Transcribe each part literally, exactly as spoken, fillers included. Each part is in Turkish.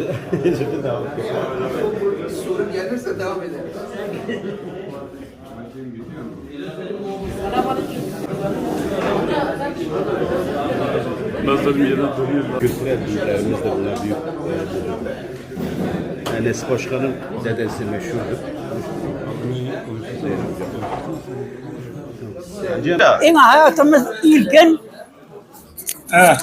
Soru gelirse devam edelim. Nasıl bir yere dönüyor? Kültürel büyüklerimiz de bunlar büyük. Enes Başkan'ın dedesi meşhurdur. En hayatımız ilkin Evet.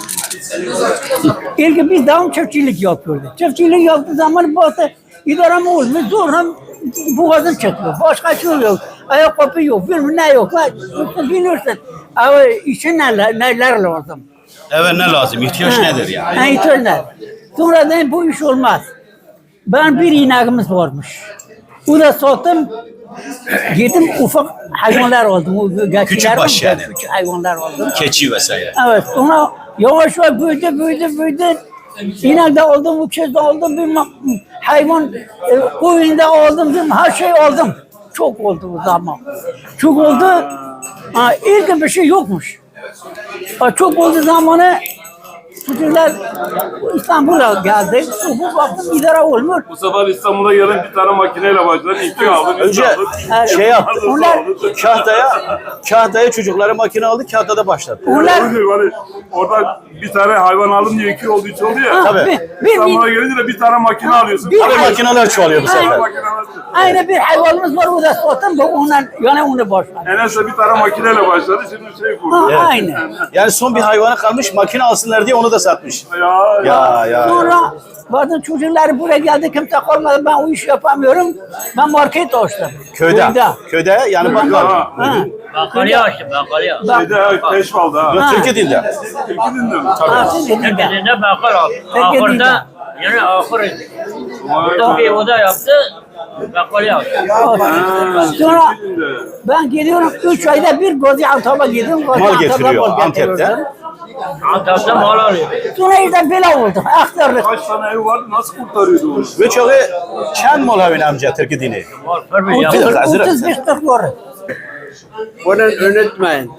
ilkin biz devam çiftçilik yapıyorduk. Çiftçilik yaptığı zaman bazı idare mi olmuş zorla boğazım çıkıyor. Başka şey yok. Ayakkabı yok, bilmem ne yok. Bilirsin. Ama işin neler, neler lazım. Evet ne lazım? İhtiyaç Ha. nedir yani? Ha, ihtiyaç nedir? Sonradan bu iş olmaz. Ben bir ineğimiz varmış. O da sattım. Gittim ufak hayvanlar aldım. O Küçük baş yani. Küçük hayvanlar aldım. Keçi vesaire. Evet, sonra yavaş yavaş büyüdü, büyüdü, büyüdü. İnek de aldım, uçuz da aldım, bir hayvan e, koyun da aldım, bir her şey aldım. Çok oldu o zaman. Çok oldu. Ha, ilk bir şey yokmuş. Ha, çok oldu zamanı çocuklar İstanbul'a geldi. Bu baktım idare olmuyor. Bu sefer İstanbul'a gelen bir tane makineyle başladı. İki aldın, üç Önce aldın. şey yaptı. Onlar- Kahtaya, kahtaya çocuklara makine aldı, kahtada başladı. Onlar Öyle hani orada bir tane hayvan aldım diye iki oldu, üç oldu ya. ha, Tabii. bir, bir, İstanbul'a bir, gelince de bir tane makine alıyorsun. Bir- Tabii makineler çoğalıyor bu Aynen. sefer. Makine alıyorsun. aynı bir hayvanımız var, o da sattım, bu ondan, yani onu başladı. Enes de bir tane makineyle başladı, şimdi şey Ha, kurdu. aynı. Yani son bir hayvana kalmış, makine alsınlar diye onu da satmış. Ya, Ya ya. Sonra bazı çocuklar buraya geldi, kimse kalmadı, ben o işi yapamıyorum. Ben market açtım. Köyde. Köyde yani bakkal. Ha. Ha. Bakalya açtım, bakalya. Bak, Şeyde Peşval'da ha. Yok, Türkiye dilde. İkinin de mi? ha, siz dedin de. Tekizinde bakal aldım. Tekizinde. Ahırda, yani ahır. Tabii o da yaptı, bakalya açtım. Sonra İkinin de. ben geliyorum, üç ayda bir Gaziantep'e gidiyorum. Gaziantep'e getiriyor, mal Antep'te. getiriyorum. Antep'te mal alıyor. Sonra işte böyle oldu, aktardık. Kaç tane ev vardı, nasıl kurtarıyordu onu? Ve çoğu çen molavin amca Türkiye dini. Var, tabii Bir yaptı. dakika, hazır otuz beş kırk var. Bunu unutmayın.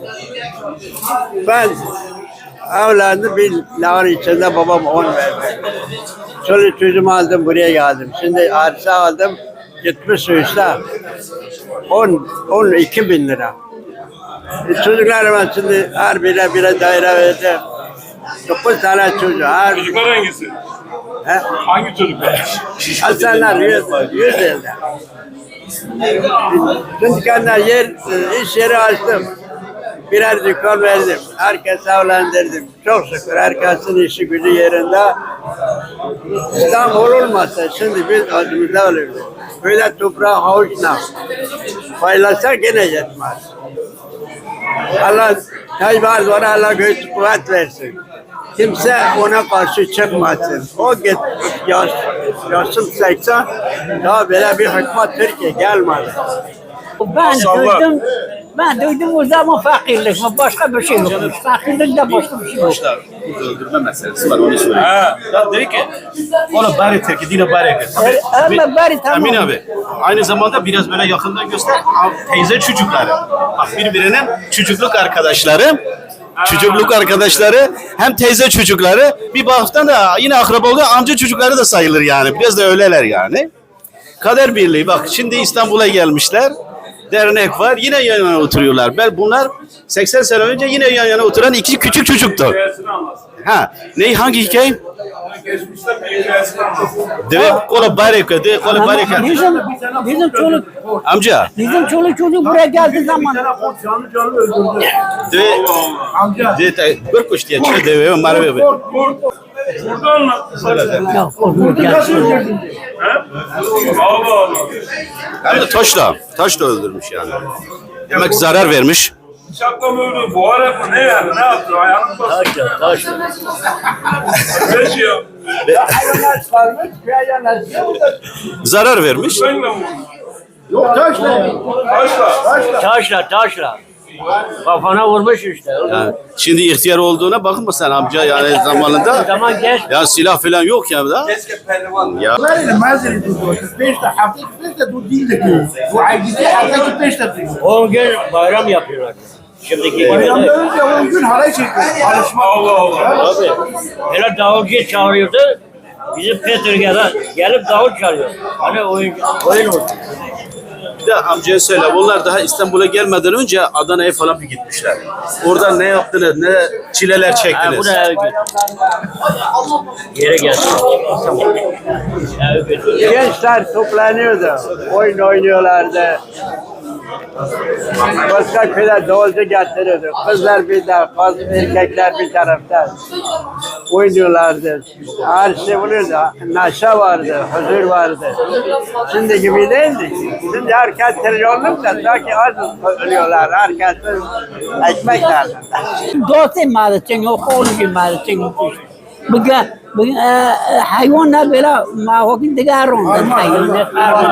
Ben evlendim bir lavın içinde babam on verdi. Çoluk çocuğumu aldım buraya geldim. Şimdi arsa aldım. Gitmiş üstte. on, on iki bin lira. E, çocuklarıma şimdi her bire bire daire verdim. Dokuz tane çocuğu. Her, Çocuklar hangisi? he, Hangi çocuklar? Hasanlar yüz, yüz elde. Şimdi kendi yer, iş yeri açtım. Birer dükkan verdim. Herkese evlendirdim. Çok şükür herkesin işi gücü yerinde. İstanbul olmasa şimdi biz acımızda olurdu. Böyle toprağı havuçla paylaşsak gene yetmez. Allah Tayyip Erdoğan'a Allah göğüs kuvvet versin. Kimse ona karşı çıkmasın. O git yaş, yaşım seksen daha böyle bir hükümet Türkiye gelmedi. Ben Maşallah. duydum, ben duydum o zaman fakirlik, başka bir şey yok. Fakirlik de başka bir şey yok. Öldürme meselesi var onu söyleyeyim. Ha. Ya dedi ki, onu bari Türkiye dini bari ekle. Ama bari tamam. Emin abi, aynı zamanda biraz böyle yakından göster, teyze çocukları. Bak birbirinin çocukluk arkadaşları, çocukluk arkadaşları, hem teyze çocukları, bir baktan da yine akraba oluyor, amca çocukları da sayılır yani. Biraz da öyleler yani. Kader birliği, bak şimdi İstanbul'a gelmişler, dernek var, yine yan yana oturuyorlar. Ben bunlar seksen sene önce yine yan yana oturan iki küçük çocuktu. Hikayesini anlatsın. Ha, ne hangi hikaye? Geçmişte bir hikayesini anlatsın. Deve kola bareka, deve kola bareka. Bizim, bizim çoluk, Amca, bizim çoluk çocuk buraya geldiği zaman Canlı canlı öldürdü. deve, deve, deve, bir kuş diye çıkıyor deve, marve be. Kurt, kurt. Burada anlat. ya korkmuyor gelsin. He? Allah Allah. Hem de taşla, taşla öldürmüş yani. Demek zarar vermiş. Bıçakla mı öldü? Boğarak mı? Ne yani? Ne yaptı? Ayağını bastı. Taşla, taşla. Ne şey yaptı? Zarar vermiş. Tüfekle mi vurdu? Yok taşla. Taşla. Taşla, taşla. Kafana vurmuş işte. Yani şimdi ihtiyar olduğuna bakma sen amca yani O zamanında. zaman geç. Ya silah falan yok ya da. Ya ما زال يدور بيشتا حطيت بيشتا تودي لك وعايزين حطيت بيشتا On gün bayram yapıyorlar. Şimdiki gibi bayramda de. önce on gün halay çekiyor. Alışma. Allah Allah. Tabii. Hele davulcu çağırıyordu. Bizim Petrograd'a gelip davul çalıyor. Hani oyun, oyun oldu. Bir de amcaya söyle. Onlar daha İstanbul'a gelmeden önce Adana'ya falan bir gitmişler. Orada ne yaptınız, ne çileler Ha, çektiniz? bu da eve götür. Yere gelsin. Eve götür. Gençler toplanıyordu. Oyun oynuyorlardı. Başka köyler davulcu getiriyordu. Kızlar bir tarafta, erkekler bir tarafta. Oynuyorlardı. Her şey oluyordu. Neşe vardı, huzur vardı. Şimdi gibi değildi. Şimdi herkes trilyonluk da sanki az ölüyorlar. Herkes ekmek derdi. دوستي مالتين وخولي مالتين بقى بقى حيواننا بلا ما هو كنت قارون الحيوانات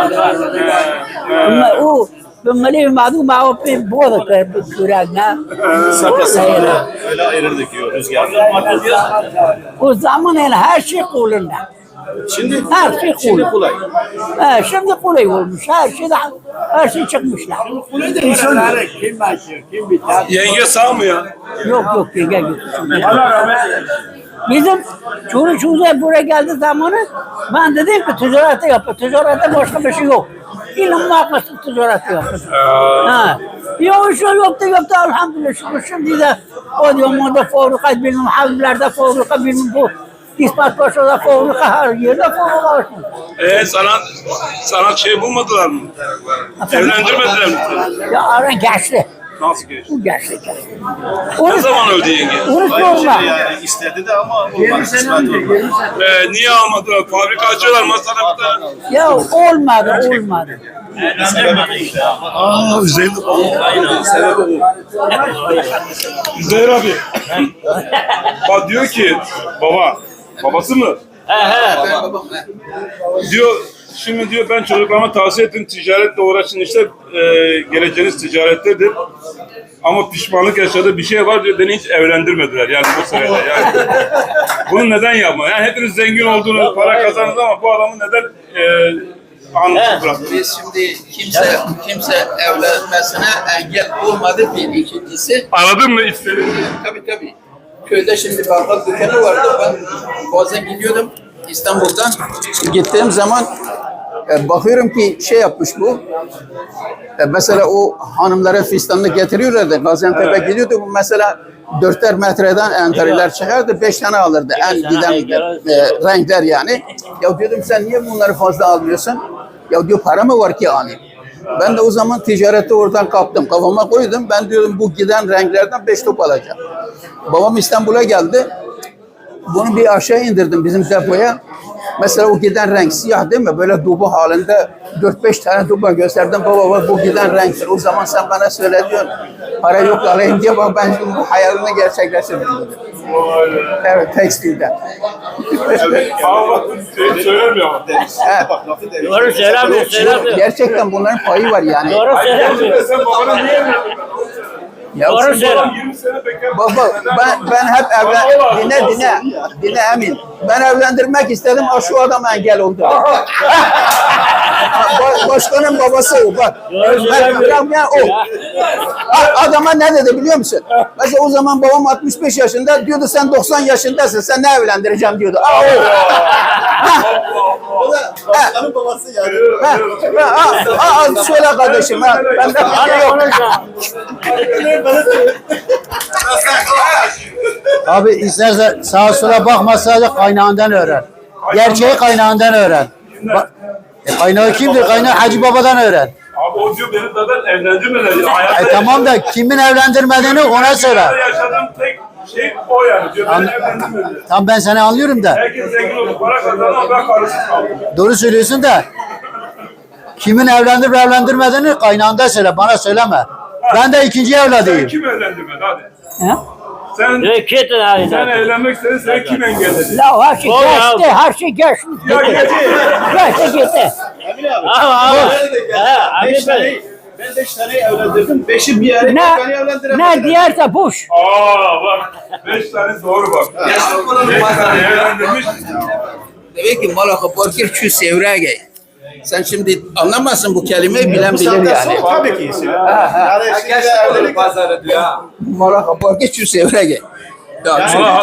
ما هو بملي معدوم ما هو في بوضك بكرانا Saka saka öyle ayırırdık diyor rüzgarda. o zaman el her şey kulunda. Şimdi Her şey şimdi kul. kolay. Ha, şimdi kolay olmuş. Her şey her şey çıkmışlar. İnsanları kim açıyor, kim biter? Yenge sağ mı ya? Yok yok gel gel. Allah rahmet eylesin. Bizim çocuk çocuk buraya geldi zamanı ben dedim ki ticareti yapın. Ticarette başka bir şey yok. İlim vakfı ticareti yapın. Ha. Yok şey yoktu yoktu elhamdülillah şükür. Şimdi de o diyor moda fabrika bilmem havlilerde fabrika bilmem bu. İspat başında fabrika her yerde fabrika var. Ee, sana, sana şey bulmadılar mı? Evlendirmediler mi? Ya ara geçti. Nasıl geçti? Bu geçti geçti. Ne zaman öldü yenge? Onu Aynı sorma. şey yani istedi de ama olmadı. Kısmet olmadı. Ee, niye almadılar? Fabrika açıyorlar masada bir tane. Ya olmadı olmadı. Aa, Üzeyir. Sebebi bu. Üzeyir abi. Bak diyor ki, baba, babası mı? He he. Ben babam. he. Diyor, şimdi diyor ben çocuklarıma tavsiye ettim ticaretle uğraşın işte e, geleceğiniz ticarettedir. Ama pişmanlık yaşadığı bir şey var diyor beni hiç evlendirmediler yani bu sırada yani. Bunu neden yapma? Yani hepiniz zengin olduğunuz, para kazandınız ama bu adamı neden e, anlık bıraktınız? Biz şimdi kimse kimse evlenmesine engel olmadı bir ikincisi. Anladın mı istediğini? Tabii tabii. Köyde şimdi bakkal dükkanı vardı. Ben bazen gidiyordum İstanbul'dan. Gittiğim zaman e, bakıyorum ki şey yapmış bu. E, mesela o hanımlara fistanını getiriyorlardı. Gaziantep'e gidiyordu. Bu mesela dörtter metreden enteriler çıkardı. Beş tane alırdı. En giden e, renkler yani. Ya diyordum sen niye bunları fazla almıyorsun? Ya diyor para mı var ki alayım? Ben de o zaman ticareti oradan kaptım. Kafama koydum. Ben diyorum bu giden renklerden beş top alacağım. Babam İstanbul'a geldi. Bunu bir aşağı indirdim bizim depoya. Mesela o giden renk siyah değil mi? Böyle dubu halinde dört beş tane duba gösterdim. Baba bak bu giden renktir. O zaman sen bana söyle diyorsun. Para yok alayım diye bak ben şimdi bu hayalini gerçekleştirdim dedim. Evet tekstilde. Evet, ama şey söylemiyor ama. Evet. Doğru söylemiyor, söylemiyor. Gerçekten bunların payı var yani. Doğru söylemiyor. Gerçekten sen babana niye evlendirdin? Ya Doğru şimdi- söylüyor. yirmi sene bekar. Baba ben ben hep evlen dinle dinle dinle Emin. Ben evlendirmek istedim ama şu adam engel oldu. Ba- Başkanın babası o bak. Ben, ben, ben o. A- Adama ne dedi biliyor musun? Mesela o zaman babam altmış beş yaşında diyordu sen doksan yaşındasın sen ne evlendireceğim diyordu. Aa, o. Başkanın babası yani. Ha, ha, ha, ha, söyle kardeşim. Ha, ben de bir şey yok. Abi istersen sağa sola bakma sadece kaynağından öğren. Gerçeği kaynağından öğren. Bak, e, kaynağı kimdir? Kaynağı Hacı Baba'dan öğren. Abi o diyor beni zaten evlendirmediler. Hayatta E tamam da kimin evlendirmediğini ona söyle. Hayatta yaşadığım tek şey o yani. Diyor beni evlendirmediler. Tam ben seni anlıyorum da. Herkes zengin oldu, para kazandı ama ben karısız kaldım. Doğru söylüyorsun da. Kimin evlendirip evlendirmediğini kaynağında söyle. Bana söyleme. Ben de ikinci Sen evladıyım. kim evlendirmedi hadi? Ha? Sen, Diyor ki etin sen halinden. evlenmek istedin, seni kim engelledi? Ya her şey Doğru ya. geçti, her şey geçti. Ya geçti. Geçti gitti. Ama ama. He, abi böyle. Ben beş tane evlendirdim. Beşi bir yere Ne, ne diyerse boş. Aa bak, beş tane doğru bak. Beş tane evlendirmiş. Demek ki malaka borkir çü sevrege. Sen şimdi anlamazsın bu kelimeyi bilen bilir yani. Tabii ki. Malaka borkir çü sevrege. Ya, Ama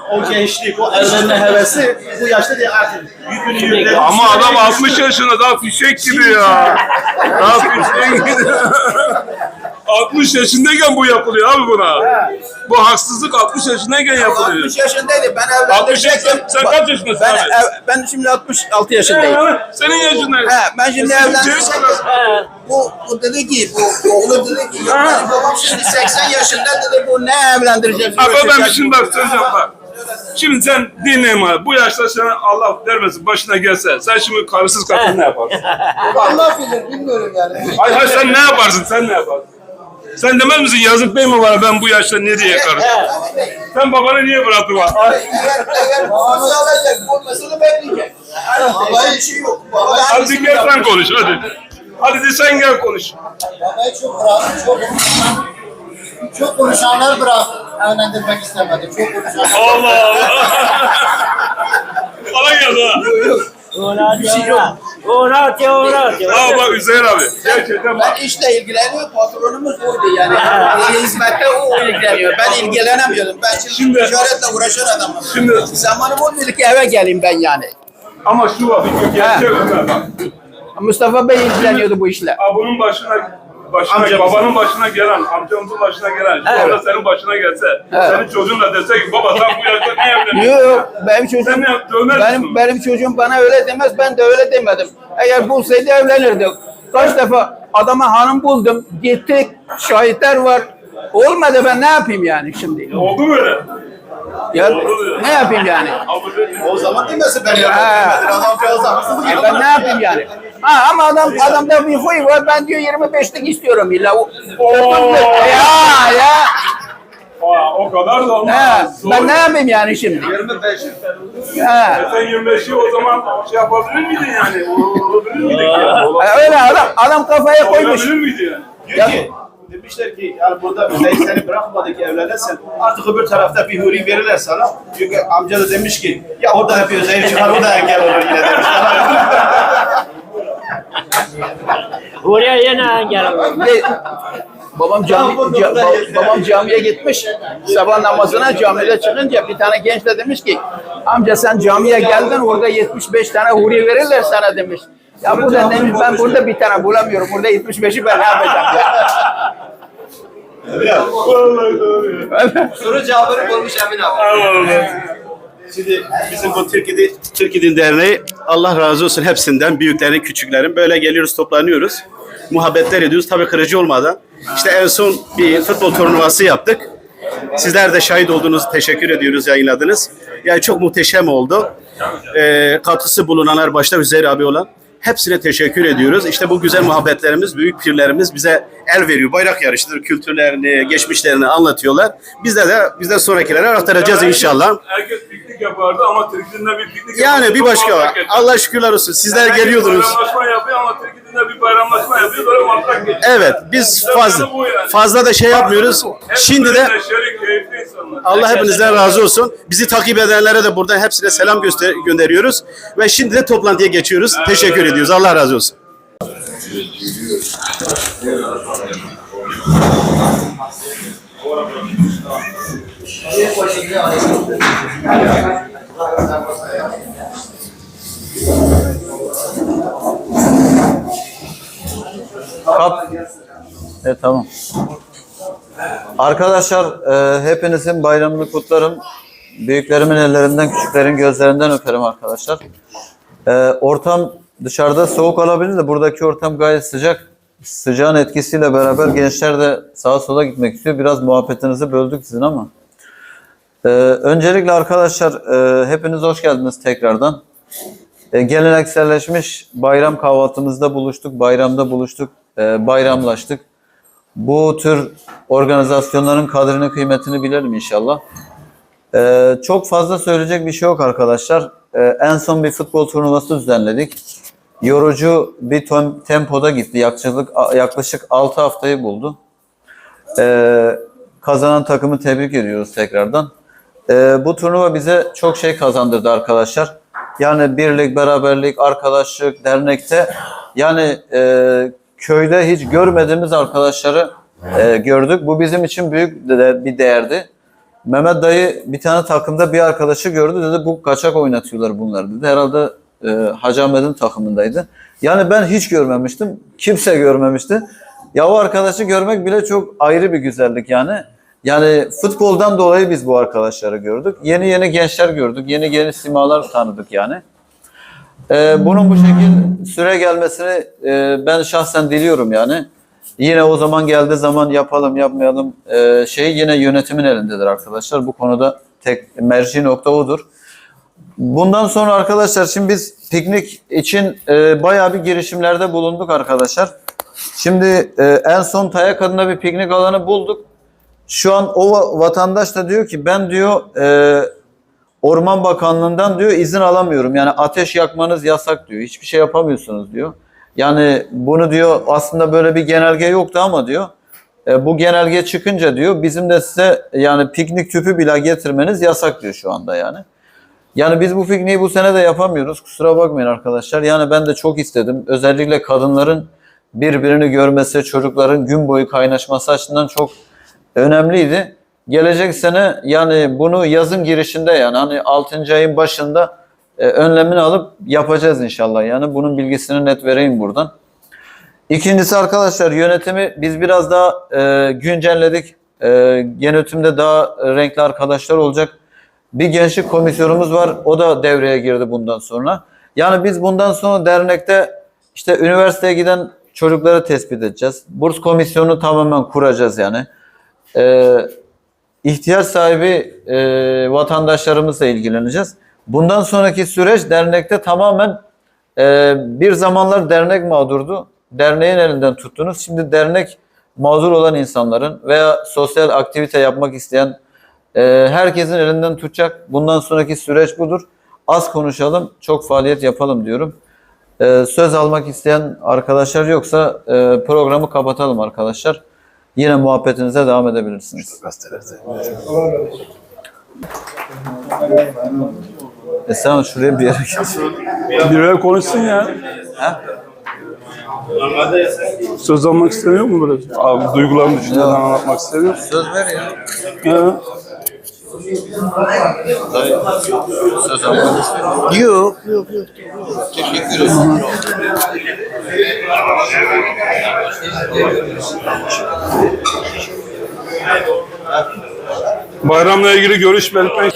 o gençlik, o evlenme hevesi bu yaşta değil artık. Yükünü yüklemiş. Ama adam altmış yaşında daha fişek gibi ya. Daha fişek gibi. altmış yaşındayken bu yapılıyor abi buna. Bu haksızlık altmış yaşındayken yapılıyor. altmış yaşındaydı. Ben altmış evlendirecektim. yaşında, sen kaç yaşındasın Ben, abi? ev- ben şimdi altmış altı yaşındayım. Senin yaşındaydın. He, ben şimdi Senin evlendirecektim. çocuk- Bu, bu dedi ki, bu oğlu dedi ki, yok benim babam şimdi seksen yaşında dedi, bu ne evlendirecek? Abi ben bir şimdi bak söyleyeceğim bak. Şimdi sen dinleyin abi. Bu yaşta sana Allah vermesin başına gelse. Sen şimdi karısız kadın ne yaparsın? Allah bilir bilmiyorum yani. Hayır hayır sen ne yaparsın? Sen ne yaparsın? Sen demez misin yazık değil mi bana ben bu yaşta ne diye karışım? Sen babanı niye bıraktın bana? Eğer, eğer babası alacak, olmasını bekleyecek. Babayı bir şey yok. Baba da Hadi gel sen konuş hadi. Hadi de sen gel konuş. Babayı çok bırak, çok çok konuşanlar bırak. Evlendirmek istemedi. Çok konuşanlar. Allah Allah. Bana geldi ha. Ona diyorlar. Ona diyorlar. Aa bak Hüseyin abi. Gerçekten bak. Ben işle ilgileniyor, patronumuz oydu yani. Hizmette o ilgileniyor. Ben ilgilenemiyordum. Ben şimdi, Şimdi- ticaretle uğraşan adamım. Şimdi- Zamanım olmuyordu ki eve geleyim ben yani. Ama şu var. Bir gerçek Ömer bak. Mustafa Bey ilgileniyordu bu işle. Aa, bunun başına başına Amcamızın. babanın başına gelen, amcamızın başına gelen, şu Evet. anda senin başına gelse, Evet. senin çocuğun da dese ki baba sen bu yaşta ne evleniyorsun? Yok yok, benim çocuğum, Sen ne yap- dövmez benim, misin? benim çocuğum bana öyle demez, ben de öyle demedim. Eğer bulsaydı evlenirdik. Kaç defa adama hanım buldum, gittik, şahitler var. Olmadı, ben ne yapayım yani şimdi? Oldu böyle. Ya, ne yapayım yani? O zaman demesin ben Ha. E ben ne yapayım yani? Ha ama adam adamda bir huy var. Ben diyor yirmi beşlik istiyorum illa. O, ya ya. Aa, o kadar da olmaz. Ha, Doğru. ben ne yapayım yani şimdi? yirmi beş. Ha. Sen yirmi beşi o zaman şey yapabilir miydin yani? Olabilir miydik ya? E, Öyle adam adam kafaya koymuş. Olabilir miydi yani? Diyor ki, demişler ki yani burada Hüseyin seni bırakmadı ki evlenirsen artık öbür tarafta bir huri verirler sana. Çünkü amca da demiş ki ya orada hep Hüseyin çıkar o da engel olur yine demişler. Oraya yine engel olur. Ve babam cami ca- ba- babam camiye gitmiş. Sabah namazına camide çıkınca bir tane genç de demiş ki amca sen camiye geldin orada yetmiş beş tane huri verirler sana demiş. Ya burada demiş ben burada bir tane bulamıyorum. Burada yetmiş beşi ben ne yapacağım ya? Vallahi doğru ya. Soru cevabını bulmuş Emin abi. Allah. Şimdi bizim bu Türkiye Türkiye Derneği Allah razı olsun hepsinden büyüklerin küçüklerin böyle geliyoruz toplanıyoruz. Muhabbetler ediyoruz tabii kırıcı olmadan. İşte en son bir futbol turnuvası yaptık. Sizler de şahit olduğunuz teşekkür ediyoruz yayınladınız. Yani çok muhteşem oldu. Ee, katkısı bulunanlar başta Hüseyin abi olan hepsine teşekkür ediyoruz. İşte bu güzel muhabbetlerimiz, büyük pirlerimiz bize el veriyor. Bayrak yarışıdır, kültürlerini, geçmişlerini anlatıyorlar. Bizde de bizden sonrakilere aktaracağız inşallah. Herkes piknik yapardı ama Türkiye'de bir piknik Yani yapardı. bir Çok başka var. muhabbet geçti. Allah şükürler olsun. Sizler Herkes geliyordunuz. bayramlaşma yapıyor ama Türkiye'de bir bayramlaşma yapıyor böyle matrak geçiyor. Evet, biz fazla Bu yani. fazla da şey yapmıyoruz. Hepsi Şimdi de böyle neşeli, keyifli insanlar. Allah hepinizden razı olsun. Bizi takip edenlere de buradan hepsine selam göster gönderiyoruz. Ve şimdi de toplantıya geçiyoruz. Teşekkür ediyoruz. Allah razı olsun. Kap. Evet tamam. Arkadaşlar e, hepinizin bayramını kutlarım. Büyüklerimin ellerinden, küçüklerin gözlerinden öperim arkadaşlar. E, ortam dışarıda soğuk olabilir de buradaki ortam gayet sıcak. Sıcağın etkisiyle beraber gençler de sağa sola gitmek istiyor. Biraz muhabbetinizi böldük sizin ama. E, öncelikle arkadaşlar e, hepiniz hoş geldiniz tekrardan. E, gelenekselleşmiş bayram kahvaltımızda buluştuk, bayramda buluştuk, e, bayramlaştık. Bu tür organizasyonların kadrini, kıymetini bilelim inşallah. E, çok fazla söyleyecek bir şey yok arkadaşlar. E, en son bir futbol turnuvası düzenledik. Yorucu bir tem- tempoda gitti. Yaklaşık, yaklaşık altı haftayı buldu. E, kazanan takımı tebrik ediyoruz tekrardan. E, bu turnuva bize çok şey kazandırdı arkadaşlar. Yani birlik, beraberlik, arkadaşlık, dernekte yani e, köyde hiç görmediğimiz arkadaşları e, gördük. Bu bizim için büyük de, bir değerdi. Mehmet dayı bir tane takımda bir arkadaşı gördü, dedi bu kaçak oynatıyorlar bunlar dedi. Herhalde e, Hacı Ahmet'in takımındaydı. Yani ben hiç görmemiştim. Kimse görmemişti. Ya o arkadaşı görmek bile çok ayrı bir güzellik yani. Yani futboldan dolayı biz bu arkadaşları gördük. Yeni yeni gençler gördük. Yeni yeni simalar tanıdık yani. Ee, bunun bu şekilde süre gelmesini e, ben şahsen diliyorum yani. Yine o zaman geldiği zaman yapalım yapmayalım e, şey yine yönetimin elindedir arkadaşlar. Bu konuda tek merci nokta odur. Bundan sonra arkadaşlar şimdi biz piknik için e, bayağı bir girişimlerde bulunduk arkadaşlar. Şimdi e, en son Tayak adına bir piknik alanı bulduk. Şu an o vatandaş da diyor ki ben diyor e, Orman Bakanlığı'ndan diyor izin alamıyorum. Yani ateş yakmanız yasak diyor. Hiçbir şey yapamıyorsunuz diyor. Yani bunu diyor aslında böyle bir genelge yoktu ama diyor e, bu genelge çıkınca diyor bizim de size yani piknik tüpü bile getirmeniz yasak diyor şu anda yani. Yani biz bu pikniği bu sene de yapamıyoruz. Kusura bakmayın arkadaşlar. Yani ben de çok istedim. Özellikle kadınların birbirini görmesi, çocukların gün boyu kaynaşması açısından çok önemliydi. Gelecek sene yani bunu yazın girişinde yani hani altıncı ayın başında e, önlemini alıp yapacağız inşallah. Yani bunun bilgisini net vereyim buradan. İkincisi arkadaşlar yönetimi biz biraz daha e, güncelledik. E, yönetimde daha renkli arkadaşlar olacak. Bir gençlik komisyonumuz var. O da devreye girdi bundan sonra. Yani biz bundan sonra dernekte işte üniversiteye giden çocukları tespit edeceğiz. Burs komisyonu tamamen kuracağız yani. Ee, ihtiyaç sahibi e, vatandaşlarımızla ilgileneceğiz. Bundan sonraki süreç dernekte tamamen e, bir zamanlar dernek mağdurdu. Derneğin elinden tuttunuz. Şimdi dernek mağdur olan insanların veya sosyal aktivite yapmak isteyen e, herkesin elinden tutacak. Bundan sonraki süreç budur. Az konuşalım, çok faaliyet yapalım diyorum. E, söz almak isteyen arkadaşlar yoksa e, programı kapatalım arkadaşlar. Yine muhabbetinize devam edebilirsiniz. E sen şuraya bir yere git. Birileri konuşsun ya. Ha? Söz almak istemiyor mu böyle? Abi duygularını düşünceden anlatmak istemiyor. Söz ver ya. Ha. Söz almak istemiyorum. Yok, yok, yok. Teşekkür ederim. Bayramla ilgili görüş belirtmek.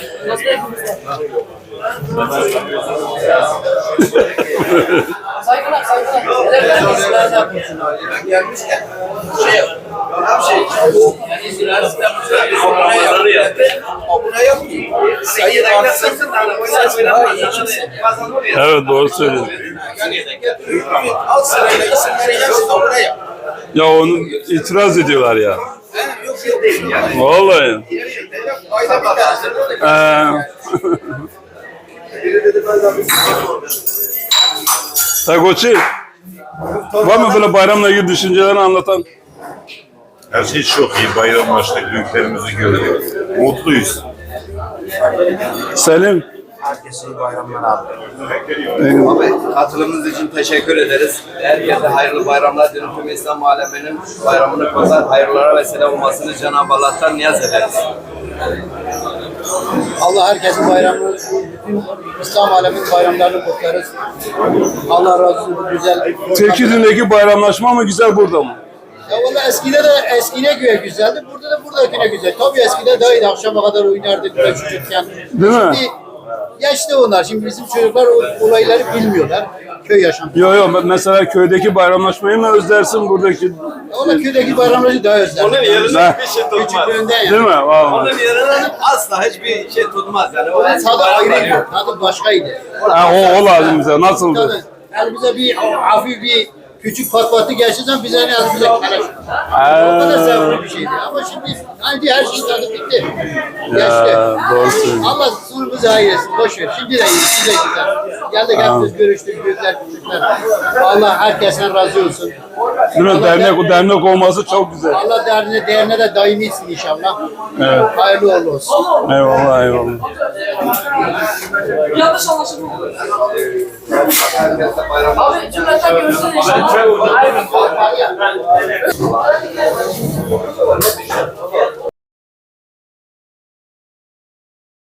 Saygılar, saygılar. Gelmişken şey yap. Şey, yani üniversitede abone yap. Abone yap ki sayı artsın. Ses daha iyi çıksın. Evet doğru söylüyorsun. Yani al sırayla isimleri yazın abone yap. Ya onu itiraz ediyorlar ya. Yok yok değil yani. Vallahi. Ayda bir tane. Tagoçi, var mı böyle bayramla ilgili düşüncelerini anlatan? Her şey çok iyi. Bayramlaştık, büyüklerimizi gördük. Mutluyuz. Selim. Herkese iyi bayramlar abi. Abi katılımınız için teşekkür ederiz. Herkese hayırlı bayramlar diliyorum. Tüm İslam aleminin bayramını kutlar, hayırlara vesile olmasını Cenab-ı Allah'tan niyaz ederiz. Allah herkesin bayramını, bütün İslam aleminin bayramlarını kutlarız. Allah razı olsun bu güzel. Tekirdağ'daki bayramlaşma mı güzel burada mı? Ya valla eskide de eskine göre güzeldi. Burada da buradakine güzel. Tabii eskide daha iyiydi. Akşama kadar oynardık böyle çocukken. Değil mi? Şimdi geçti onlar. Şimdi bizim çocuklar o olayları bilmiyorlar. Köy yaşantısı. Yok yok mesela köydeki bayramlaşmayı mı özlersin buradaki? Valla köydeki bayramları daha özler. Onun yerine bir şey tutmaz. Küçüklüğünden yani. Değil mi? Vallahi. Onun yerine asla hiçbir şey tutmaz. Yani o Tadı ayrıydı. Tadı başkaydı. Ha, o, o lazım bize. Nasıldı? Tadı. Yani bize bir hafif bir küçük patlatı geçirsen bize ne yazık bize keleş. O kadar sevimli bir şeydi. Ama şimdi hangi her şey tadı bitti. Geçti. Ya, doğru söylüyorsun. Allah sonumuzu hayır etsin. Boş ver. Şimdi de iyi. Şimdi de güzel. Geldik hepimiz görüştük. Büyükler küçükler. Allah herkesten razı olsun. Değil mi? Dernek, o dernek olması çok güzel. Allah derneğe, derneğe de daimi etsin inşallah. Evet. Hayırlı uğurlu olsun. Eyvallah eyvallah. Yanlış anlaşılma. herkese bayram. Abi cümleten görüşürüz inşallah.